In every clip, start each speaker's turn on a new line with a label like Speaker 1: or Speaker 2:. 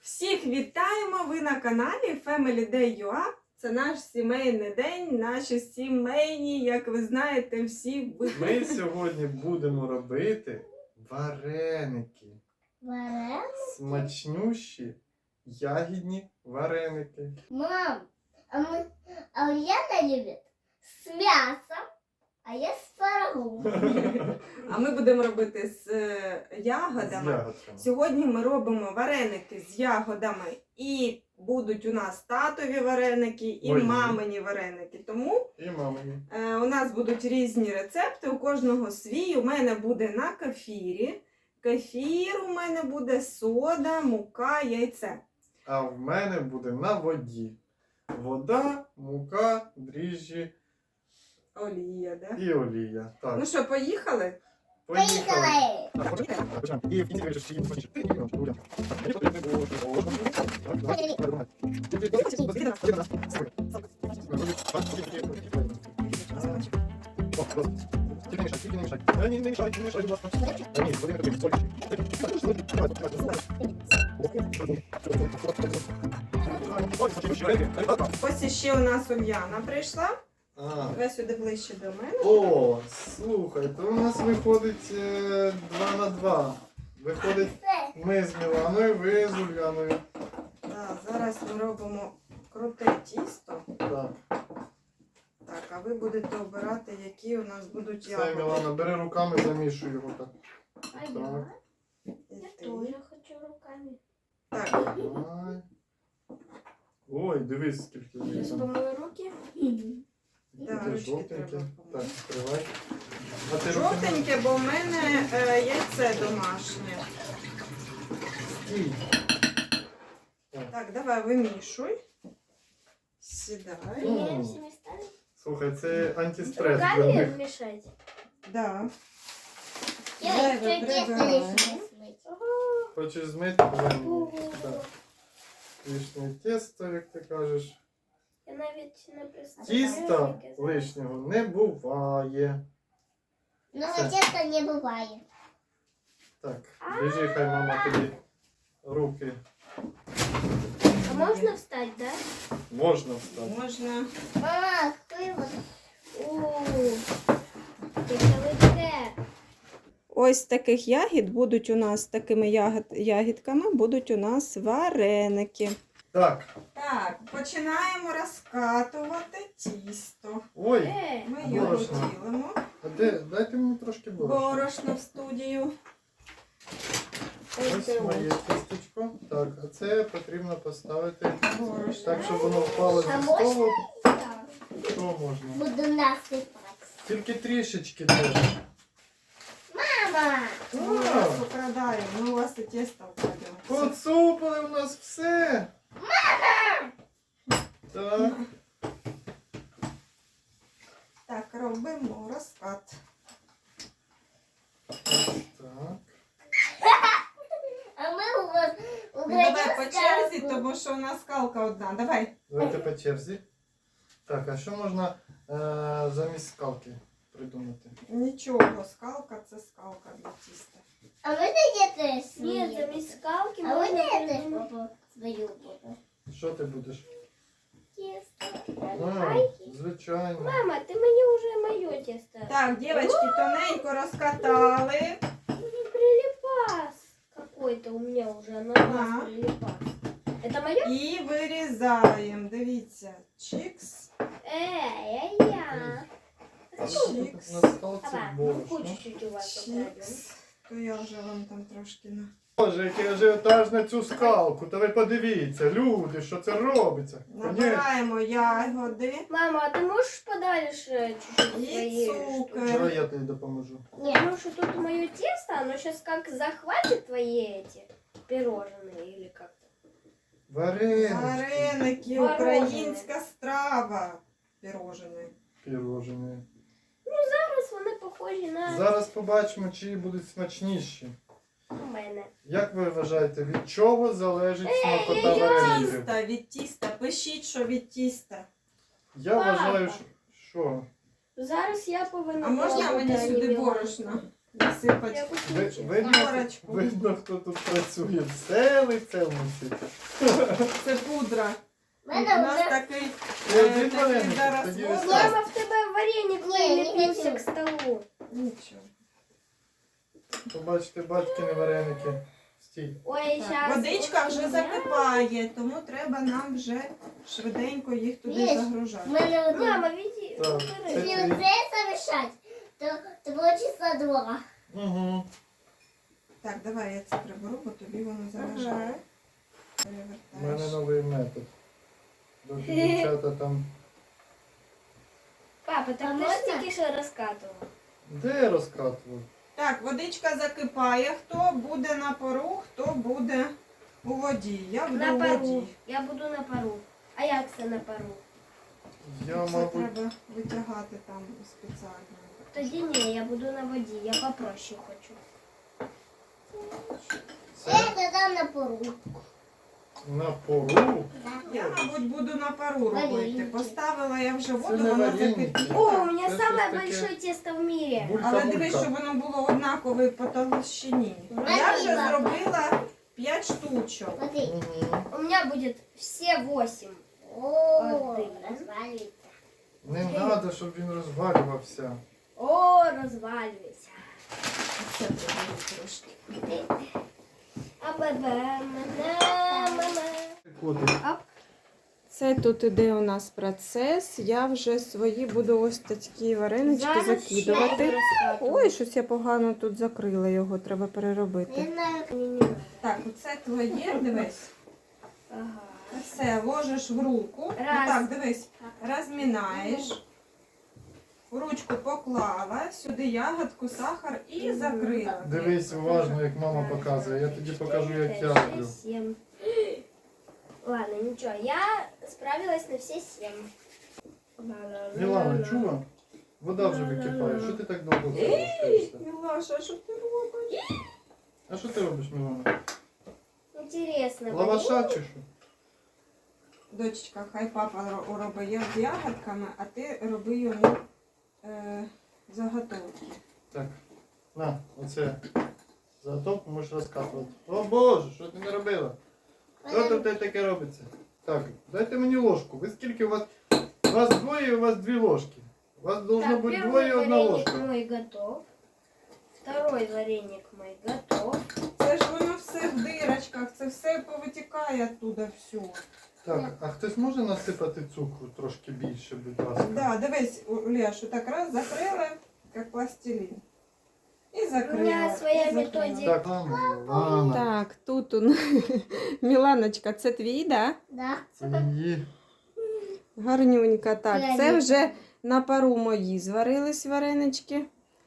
Speaker 1: Всіх вітаємо! Ви на каналі Family Day.ua. Це наш сімейний день, наші сімейні, як ви знаєте, всі
Speaker 2: Ми сьогодні будемо робити вареники. Смачнющі ягідні вареники.
Speaker 3: Мам, а Ульяна любит с мясом, а я с творогом.
Speaker 1: А ми будемо робити з ягодами.
Speaker 2: З ягодками.
Speaker 1: Сьогодні ми робимо вареники з ягодами. І будуть у нас татові вареники, і
Speaker 2: Мої.
Speaker 1: мамині вареники. Тому
Speaker 2: І мамині.
Speaker 1: у нас будуть різні рецепти, у кожного свій. У мене буде на кефірі. Кефір у мене буде, сода, мука, яйце.
Speaker 2: А в мене буде на воді. Вода, мука, дріжджі
Speaker 1: Олія, да?
Speaker 2: і олія. Так,
Speaker 1: Ну що, поїхали?
Speaker 3: Поехали!
Speaker 2: І в кінці вирішиш, чи їм смачніше. Ти їм, чи Уля. Мені потрібно було, Тільки не мішай. Не мішай, будь ласка. Ні, Володимир Петрович,
Speaker 1: Ось іще у нас Ульяна прийшла.
Speaker 2: А,
Speaker 1: Давай сюди ближче до мене.
Speaker 2: о, слухай, то у нас виходить 2 на 2. Виходить, ми з Міланою, ви з Ульяною.
Speaker 1: Да, зараз ми робимо круте тісто.
Speaker 2: Так,
Speaker 1: Так, а ви будете обирати, які у нас будуть
Speaker 2: все,
Speaker 1: ягоди.
Speaker 2: Мілана, бери руками, замішуй його так.
Speaker 3: А я?
Speaker 1: І
Speaker 3: Я
Speaker 1: ти.
Speaker 3: тоже хочу руками.
Speaker 1: Так,
Speaker 2: Давай. Ой, дивись, скільки є
Speaker 3: Сейчас
Speaker 2: там.
Speaker 3: помою руки.
Speaker 1: да,
Speaker 2: Таке
Speaker 1: ручки
Speaker 2: жовтеньке.
Speaker 1: треба
Speaker 2: Так,
Speaker 1: помити.
Speaker 2: відкривай. А ти руки
Speaker 1: Жовтеньке, бо в мене яйце домашнє.
Speaker 2: стій.
Speaker 1: Так, давай вимішуй. Сідай.
Speaker 3: Меняемся местами.
Speaker 2: Слухай, це антистрес для
Speaker 3: Руками
Speaker 2: них.
Speaker 3: мешать.
Speaker 1: Да.
Speaker 3: Я
Speaker 1: Давай,
Speaker 3: еще тесто
Speaker 1: выбирай.
Speaker 3: лишнее смыть.
Speaker 2: Хочеш змити? Давай мені. Так. Лишнє тесто, як ти кажеш.
Speaker 3: Я навіть не представляю.
Speaker 2: Тіста лишнього не буває.
Speaker 3: Но
Speaker 2: Все.
Speaker 3: теста не бывает.
Speaker 2: Так, біжи, хай мама тобі руки.
Speaker 3: А можно встать, да?
Speaker 2: Можна встати.
Speaker 1: Можна.
Speaker 3: Мама, какой вот. Тестовый
Speaker 1: Ось таких ягід будуть у нас, такими ягідками будуть у нас вареники.
Speaker 2: Так,
Speaker 1: Так, починаємо розкатувати тісто.
Speaker 2: ой,
Speaker 1: Ми його
Speaker 2: борошно.
Speaker 1: ділимо.
Speaker 2: А де, дайте мені трошки борошна.
Speaker 1: Борошно в студію.
Speaker 2: Ось моє тістечко. Так, а це потрібно поставити
Speaker 1: Борошно.
Speaker 2: так, щоб воно впало
Speaker 3: А
Speaker 2: зі столу.
Speaker 3: Да.
Speaker 2: Що можна?
Speaker 3: Буду насыпать.
Speaker 2: Тільки трішечки теж.
Speaker 3: Мама!
Speaker 1: Ми вас украдаємо, ми у вас і тісто вкрадемо.
Speaker 2: Поцупили у нас все. Так,
Speaker 1: Так, робимо розкат.
Speaker 2: так.
Speaker 3: А мы у вас
Speaker 1: Ну, давай по черзі, тому що у нас скалка одна. Давай.
Speaker 2: Давайте по черзі. Так, а що можна замість скалки придумати?
Speaker 1: Нічого, скалка це скалка для тіста.
Speaker 3: А вы где-то
Speaker 4: Нет, замість скалки
Speaker 3: А вы
Speaker 4: можна
Speaker 3: где-то
Speaker 4: придумати
Speaker 3: свою буду.
Speaker 2: Що ти будеш?
Speaker 4: тісто.
Speaker 2: А, звичайно.
Speaker 4: Мама, ти мені вже моє тісто.
Speaker 1: Так, дівчатки, тоненько розкатали.
Speaker 4: Прилипас какой-то у меня уже, на
Speaker 1: Ага.
Speaker 4: нас прилипас. Это мое?
Speaker 1: І вирізаємо. Дивіться. Чикс.
Speaker 4: Я.
Speaker 2: А що тут на скалці
Speaker 4: Давай, ну
Speaker 2: борошно?
Speaker 4: кучу чуть у вас украдем.
Speaker 1: Чикс. То я вже вам там трошки на...
Speaker 2: Боже, який ажіотаж на цю скалку. Та ви подивіться, люди, що це робиться. Конечно.
Speaker 1: Набираємо ягоди
Speaker 4: Мама, а ты можешь подальше чуть-чуть
Speaker 1: і
Speaker 4: своей
Speaker 1: цукор.
Speaker 2: Чого я тобі допоможу?
Speaker 4: Потому что тут мое тесто, оно сейчас как захватит твои эти пирожные или как-то.
Speaker 2: Варенички.
Speaker 1: Вареники,
Speaker 4: Морожене.
Speaker 1: українська страва. Пірожені.
Speaker 2: Пірожені.
Speaker 4: Зараз вони похожі на
Speaker 2: Зараз побачимо, чиї будуть смачніші.
Speaker 4: у мене.
Speaker 2: Як ви вважаєте, від чого залежить смакота
Speaker 1: Від
Speaker 2: вареників?
Speaker 1: тіста, від тіста. Пишіть, що від тіста.
Speaker 2: Я
Speaker 4: Папа.
Speaker 2: вважаю, що...
Speaker 4: Зараз я повинна.
Speaker 1: А можна
Speaker 4: пробувати,
Speaker 1: мені
Speaker 4: а не
Speaker 1: сюди
Speaker 4: Мілана.
Speaker 1: борошно? насипати
Speaker 4: Я вкуснючий.
Speaker 1: Горочку.
Speaker 2: Видно, хто тут працює. Все лице мусить.
Speaker 1: Це пудра. У
Speaker 3: У мене
Speaker 1: нас
Speaker 3: вже
Speaker 1: такий,
Speaker 2: Один
Speaker 1: такий
Speaker 2: вареник,
Speaker 1: зараз
Speaker 2: тоді
Speaker 1: возраст.
Speaker 4: Мама, в тебе вареник
Speaker 3: Не, не
Speaker 4: прилепился
Speaker 3: хочу.
Speaker 4: к столу.
Speaker 1: Нічого.
Speaker 2: Побачите, батькини вареники. Стій.
Speaker 4: Ой,
Speaker 1: Так,
Speaker 4: сейчас.
Speaker 1: водичка вже закипає, тому треба нам вже швиденько їх туди
Speaker 3: Є.
Speaker 1: загружати.
Speaker 3: У мене вже.
Speaker 4: Мама, веди.
Speaker 2: Так,
Speaker 4: убирай.
Speaker 2: це
Speaker 3: Если вот это замешать, то получится два.
Speaker 2: Угу.
Speaker 1: Так, давай я це приберу, бо тобі воно заважає.
Speaker 4: Ага.
Speaker 2: У мене
Speaker 1: Перевертаєш.
Speaker 2: новий метод. Доки дівчата там.
Speaker 4: Папа, так
Speaker 3: А
Speaker 4: ты
Speaker 3: можно?
Speaker 4: же тільки що розкатував.
Speaker 2: Де розкатував?
Speaker 1: Так, водичка закипає. Хто буде на пару, хто буде у воді. Я буду
Speaker 4: На
Speaker 1: у
Speaker 4: пару.
Speaker 1: воді.
Speaker 4: Я буду на пару. А як це на пару?
Speaker 2: Я,
Speaker 1: Це
Speaker 2: мабуть,
Speaker 1: треба витягати там спеціально.
Speaker 4: Тоді ні, я буду на воді. Я попроще хочу.
Speaker 2: це
Speaker 3: Это там на пору.
Speaker 2: на пору.
Speaker 1: Я, мабуть, буду на пару робити.
Speaker 3: Вареники.
Speaker 1: Поставила я вже
Speaker 2: Це
Speaker 1: воду,
Speaker 2: не
Speaker 1: вона
Speaker 2: вареники.
Speaker 1: закипіла.
Speaker 4: О, у меня
Speaker 2: Це
Speaker 4: самое
Speaker 2: щось таке.
Speaker 4: большое тесто в мире.
Speaker 1: Але дивись,
Speaker 2: Булька-булька.
Speaker 1: щоб воно було однакове по толщині.
Speaker 3: Вона
Speaker 1: Я вже
Speaker 3: біла.
Speaker 1: зробила 5 штучок.
Speaker 3: Смотри.
Speaker 2: Угу.
Speaker 4: У меня будет все 8.
Speaker 3: О,
Speaker 4: Один.
Speaker 3: развалится.
Speaker 2: Не треба, щоб він розвалювався.
Speaker 4: О, розвалюється.
Speaker 1: Це приберу трошки.
Speaker 2: Котик.
Speaker 1: Це тут іде у нас процес. Я вже свої буду ось такі варенички закидувати. Ой, щось я погано тут закрила його, треба переробити.
Speaker 3: Не знаю.
Speaker 1: Так, оце твоє, дивись.
Speaker 4: Ага.
Speaker 1: Все, ложиш в руку.
Speaker 4: Раз.
Speaker 1: Так, дивись, розмінаєш. В ручку поклала, сюди ягодку, сахар і закрила.
Speaker 2: Дивись уважно, як мама показує. Я тоді покажу, як я роблю.
Speaker 4: 7. Ладно, ничего, я справилась на все 7.
Speaker 2: Мілана, чула? Вода вже википає. Що ти так довго залишаєшся?
Speaker 1: Мілаша, що ти робиш?
Speaker 2: А що ти робиш, Мілана?
Speaker 4: Интересно.
Speaker 2: Лаваша чи що?
Speaker 1: Дочечка, хай папа робить з ягодками, а ти роби йому заготовки.
Speaker 2: Так, на, оце. Заготовку можеш розкатувати. О Боже, що ти не робила? Що тут таке робиться? Так, дайте мені ложку. Ви скільки у вас? У вас двоє, у вас 2 ложки. У вас должно
Speaker 4: Так,
Speaker 2: бути
Speaker 4: первый
Speaker 2: двоє і 1
Speaker 4: вареник
Speaker 2: ложка.
Speaker 4: мой готов. Второй вареник мой готов.
Speaker 1: Це ж воно все в дирочках, це все повитікає оттуда все.
Speaker 2: Так, а хтось може насипати цукру трошки більше, будь ласка?
Speaker 1: Да, дивись, Лешу, так раз закрили, як пластилін. І закрила.
Speaker 4: У мене своя
Speaker 1: і закрила.
Speaker 4: методика.
Speaker 2: Так, Мілана.
Speaker 1: Так, тут Міланочка, це твій, да?
Speaker 3: Да.
Speaker 2: Це її.
Speaker 1: Гарнюнька, так. Це
Speaker 3: Вареники.
Speaker 1: вже на пару мої зварились варенички.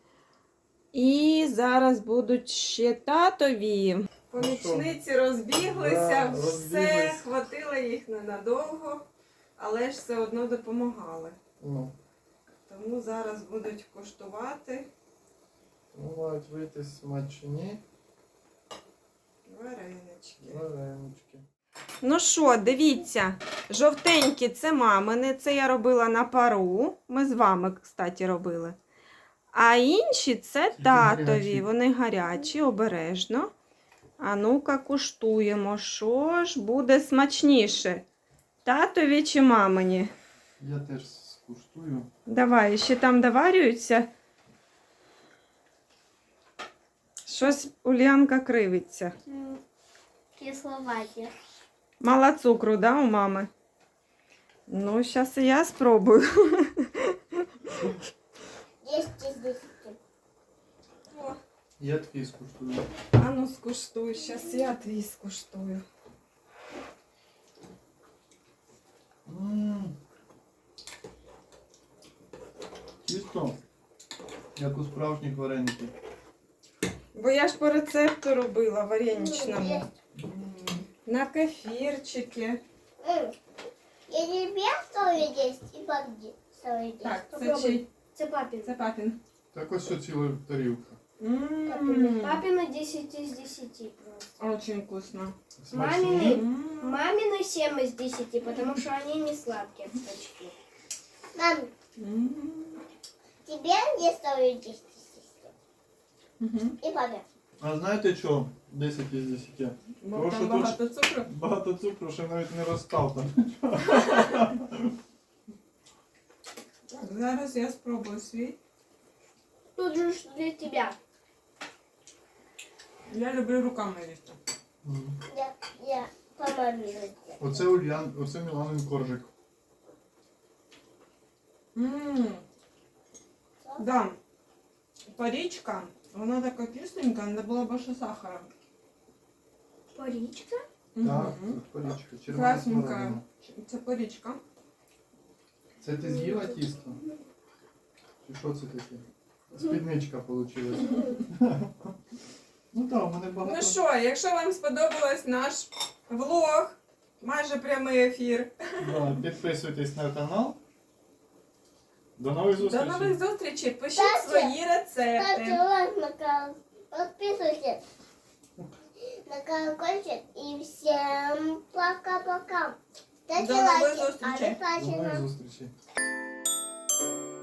Speaker 1: І зараз будуть ще татові. Помічниці розбіглися,
Speaker 2: Да,
Speaker 1: все,
Speaker 2: розбіглись.
Speaker 1: хватило їх ненадовго, але ж все одно допомагали.
Speaker 2: Ну,
Speaker 1: Тому зараз будуть коштувати
Speaker 2: мають вийти смачні
Speaker 1: варенички.
Speaker 2: варенички.
Speaker 1: Ну що, дивіться, жовтенькі це мамини, це я робила на пару. Ми з вами, кстати, робили. А інші це
Speaker 2: Тільки
Speaker 1: татові,
Speaker 2: гарячі.
Speaker 1: вони гарячі, обережно. А ну-ка куштуємо, що ж буде смачніше, татові чи мамині?
Speaker 2: Я теж скуштую.
Speaker 1: Давай, ще там доварюються. Щось Ульянка кривиться.
Speaker 3: Кисловатые.
Speaker 1: Мало цукру, да, у мами? Ну, зараз і я спробую.
Speaker 3: 10 из 10.
Speaker 2: Я твій скуштую.
Speaker 1: А ну скуштуй, зараз я твій скуштую.
Speaker 2: Чисто, як у справжніх вареників.
Speaker 1: Бо я ж по рецепту робила вареничному.
Speaker 3: Есть.
Speaker 1: На кефірчики.
Speaker 3: Я тебе стою 10 и папе стою 10.
Speaker 1: Так, це
Speaker 4: Попробуй.
Speaker 1: чий?
Speaker 4: Це папин.
Speaker 1: Це папін.
Speaker 2: Так ось що ціла тарілка.
Speaker 4: Папина 10 из 10 просто.
Speaker 1: Очень вкусно.
Speaker 2: Смачні.
Speaker 4: Мамины 7 из 10, потому что они не сладкие почти.
Speaker 3: Мам, тебе не стою 10 из 10.
Speaker 1: Угу.
Speaker 3: И папе.
Speaker 2: А знаєте що? 10 із 10.
Speaker 1: Бо
Speaker 2: Тому що
Speaker 1: там
Speaker 2: тут
Speaker 1: багато цукру.
Speaker 2: багато цукру, що навіть не розстав там.
Speaker 1: Зараз я спробую свій.
Speaker 4: Тут же ж для тебя.
Speaker 1: Я люблю руками їсти.
Speaker 3: Я помолилась.
Speaker 2: Оце Міланин коржик.
Speaker 1: Да. Порічка, вона така кисленька, не було більше сахара.
Speaker 4: Порічка?
Speaker 2: Так,
Speaker 1: Мгм.
Speaker 2: це порічка. Червона
Speaker 1: Красненька.
Speaker 2: смородина.
Speaker 1: Це порічка.
Speaker 2: Це ти з'їла тісто? Чи що це таке? Спідничка вийшла. Ну так, у мене багато.
Speaker 1: Ну що, якщо вам сподобалось наш влог, майже прямий ефір.
Speaker 2: Да, підписуйтесь на канал. До нових
Speaker 1: До
Speaker 2: зустрічей.
Speaker 1: нових зустрічей. Пишіть
Speaker 3: Ставте-
Speaker 1: свої рецепти.
Speaker 3: Ставьте лайк на канал. Подписывайтесь на колокольчик. И всем пока-пока. Ставьте
Speaker 1: До новых
Speaker 3: лайки.
Speaker 1: зустрічей.
Speaker 2: До нових
Speaker 3: Обязательно.
Speaker 2: зустрічей.